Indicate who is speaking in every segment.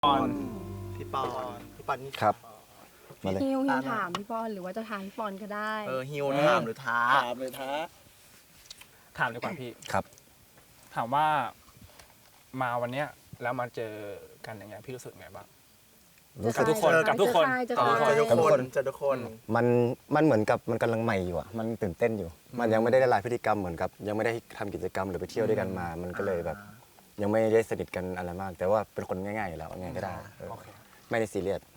Speaker 1: ปอน
Speaker 2: พี่ปอนนี่
Speaker 3: ครับ มาเลย
Speaker 4: ฮิวถามพี่ปอนหรือว่าจะถามพี่ปอนก็ได้
Speaker 2: ฮิวถามหรือท้า
Speaker 1: ถามเลยท้าถามดีกว่าพี่
Speaker 3: ครับ
Speaker 1: ถามว่ามาวันเนี้ยแล้วมาเจอกันอย่างเงี้ยพี่รู้สึกไงบ้าง
Speaker 3: รู้สึก
Speaker 1: ทุกคนกับทุกคน
Speaker 4: จะ
Speaker 2: เจอทุก
Speaker 3: กับทุก
Speaker 2: ค
Speaker 3: คน น
Speaker 2: เจอทุกคน
Speaker 3: มันเหมือนกับมันกำลังใหม่อยู่อ่ะมันตื่นเต้นอยู่ มันยังไม่ได้ละลายพฤติกรรมเหมือนกับ ยังไม่ได้ทำกิจกรรมหรือไปเที่ยวด้วยกันมา มันก็เลยแบบ ยังไม่ได้สนิทกันอะไรมาก แต่ว่าเป็นคนง่ายๆอยู่แล้วไงก็ได้เออ
Speaker 1: โอเค
Speaker 3: ไม่ได้ซีเรียส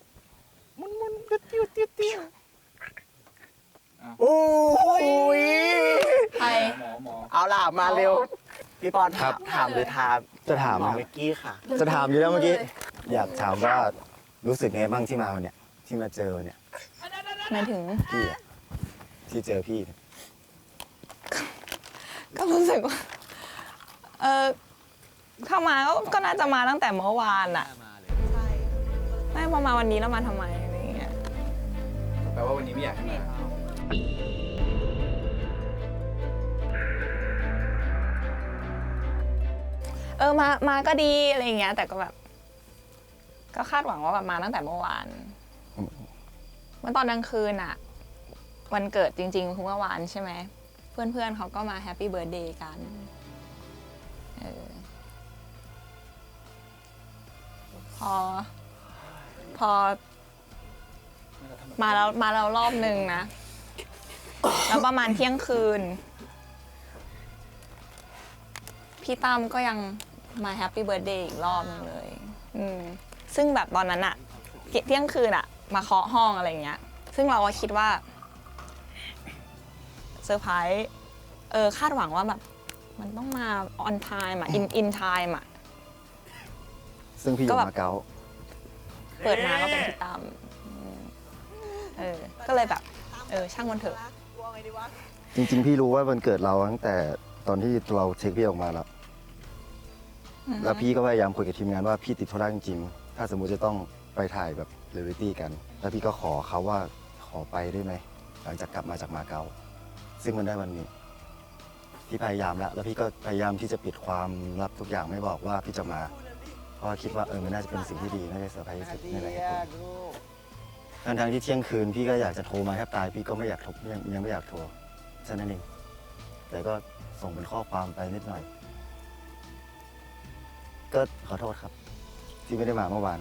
Speaker 2: โอ้ย
Speaker 4: ใคร
Speaker 2: เอาล่ะมาเร็ว พี่ปอนถามหรือท้า
Speaker 3: จะถาม
Speaker 2: หมอ
Speaker 3: นะ
Speaker 2: เมกกี้ค่ะ
Speaker 3: จะถามอยู่แล้วเมื่อกี้ อยากถามว่ารู้สึกไงบ้างที่มาวันเนี้ยที่มาเจอเนี่ย
Speaker 4: หมายถึง
Speaker 3: พี่อะที่เจอพี่เนี่ย
Speaker 5: ก็รู้สึกว่า ถ้ามาก็น่าจะมาตั้งแต่เมื่อวานอะไม่พอมาวันนี้แล้วมาทำไมอะไรอย่างเงี้ย
Speaker 1: แปลว่าวันนี้ไม่อยากให้มา
Speaker 5: มาก็ดีอะไรอย่างเงี้ย แต่ก็แบบ ก็คาดหวังว่าแบบมาตั้งแต่เมื่อวาน เมื่อตอนกลางคืนอะวันเกิดจริงๆคือเมื่อวานใช่ไหม เพื่อนๆเขาก็มาแฮปปี้เบิร์ดเดย์กันเออพอมาแล้วรอบนึงนะ แล้วประมาณเที่ยงคืน พี่ตั้มก็ยังมาแฮปปี้เบิร์ดเดย์อีกรอบนึงเลยซึ่งแบบตอนนั้นอะเที่ยงคืนอะมาเคาะห้องอะไรเงี้ย ซึ่งเราก็คิดว่าเซอร์ไพรส์คาดหวังว่าแบบมันต้องมา on time อะ in time อะ
Speaker 3: ซึ่งพี่อยู่มาเก๊า
Speaker 5: เปิดมาก็เป็นพี่ตั้มก็เลยแบบ ช่างมันเถอะ
Speaker 3: จริงๆ พี่รู้ว่าวันเกิดเราตั้งแต่ตอนที่เราเช็คพี่ออกมาแล้ว แล้วพี่ก็พยายามคุยกับทีมงานว่าพี่ติดธุระจริงๆ ถ้าสมมุติจะต้องไปถ่ายแบบเรียลลิตี้กัน แล้วพี่ก็ขอเขาว่าขอไปได้ไหมหลังจากกลับมาจากมาเก๊าซึ่งมันได้วันนี้ พี่พยายามแล้วพี่ก็พยายามที่จะปิดความลับทุกอย่างไม่บอกว่าพี่จะมา เพราะคิดว่ามันน่าจะเป็นสิ่งที่ดีน่าจะเซอร์ไพรส์ที่สุดในหลายๆคนทั้งที่เที่ยงคืนพี่ก็อยากจะโทรมาแทบตายพี่ก็ไม่อยากโทรยังไม่อยากโทรแค่นั้นเองแต่ก็ส่งเป็นข้อความไปนิดหน่อย ก็ขอโทษครับ ที่ไม่ได้มาเมื่อวาน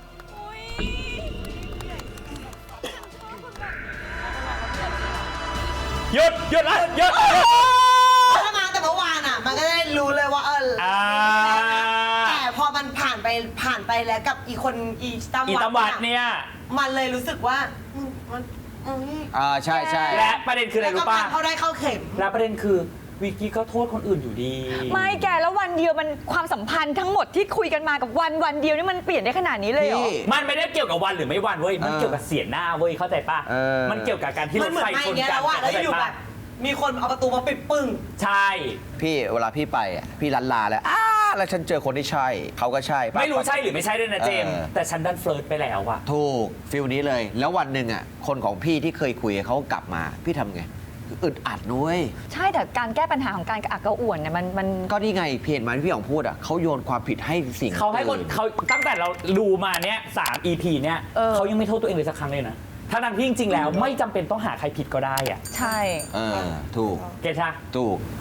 Speaker 1: หยุดละหยุด
Speaker 6: ถ้ามาแต่เมื่อวานอ่ะ มันก็ได้รู้เลยว่าแต่พอมันผ่านไปแล้วกับอีคนอีตำ
Speaker 1: อีตำวัดเนี่ย
Speaker 6: มันเลยรู้สึกว่ามัน
Speaker 7: ใช่ใช่
Speaker 1: และประเด็นคืออะไร
Speaker 6: แล้วก็
Speaker 1: รู้ป่ะ
Speaker 6: เข้าได้เข้าเข็ม
Speaker 1: และประเด็นคือวิกกี้ก็โทษคนอื่นอยู่ดี
Speaker 8: ไม่แกแล้ววันเดียวมันความสัมพันธ์ทั้งหมดที่คุยกันมากับวันเดียวนี่มันเปลี่ยนได้ขนาดนี้เลยเหรอ
Speaker 1: มันไม่ได้เกี่ยวกับวันหรือไม่วันเว้ย มันเกี่ยวกับเสียหน้าเว้ย เข้าใจป่ะ มันเกี่ยวกับการที่ร
Speaker 6: มัน
Speaker 1: ถ
Speaker 6: เหมือน
Speaker 1: ไฟ
Speaker 6: มา
Speaker 1: ช
Speaker 6: อน ย่างเงี้ย
Speaker 1: กั
Speaker 6: แล้
Speaker 1: น
Speaker 6: วว่าแล้ว
Speaker 1: เข้าใจ
Speaker 6: อยู่แบ
Speaker 1: ป่ะ
Speaker 6: บมีคนเอาประตูมาปิดปึ้ง
Speaker 1: ใช่
Speaker 7: พี่เวลาพี่ไปอ่ะพี่ลันลาแล้วแล้วฉันเจอคนที่ใช่เขาก็ใช่ปะ
Speaker 1: ไม่รู้ใช่หรือไม่ใช่ด้วยนะเจมส์แต่ฉันดันเฟลิร์ตไปแล้วอะ
Speaker 7: ถูกฟิลนี้เลย แล้ววันหนึ่งอ่ะคนของพี่ที่เคยคุยเขากลับมาพี่ทำไงอึดอัดนุ้ย
Speaker 8: ใช่แต่การแก้ปัญหาของการกระอักกระอ่วนเนี่ยมัน
Speaker 7: ก็นี่ไงเพจมันที่พี่อ๋องพูดอ่ะเขาโยนความผิดให้สิ่ง
Speaker 1: เขาให้คน
Speaker 7: อื่
Speaker 1: เขาตั้งแต่เราดูมาเนี้ย3 EP เนี้ยเขายังไม่โทษตัวเองเลยสักครั้งเลยนะทั้งที่จริงๆแล้วไม่จำเป็นต้องหาใครผิดก็ได้อะ
Speaker 8: ใช่
Speaker 7: ถูก
Speaker 1: เกชา
Speaker 7: ถูก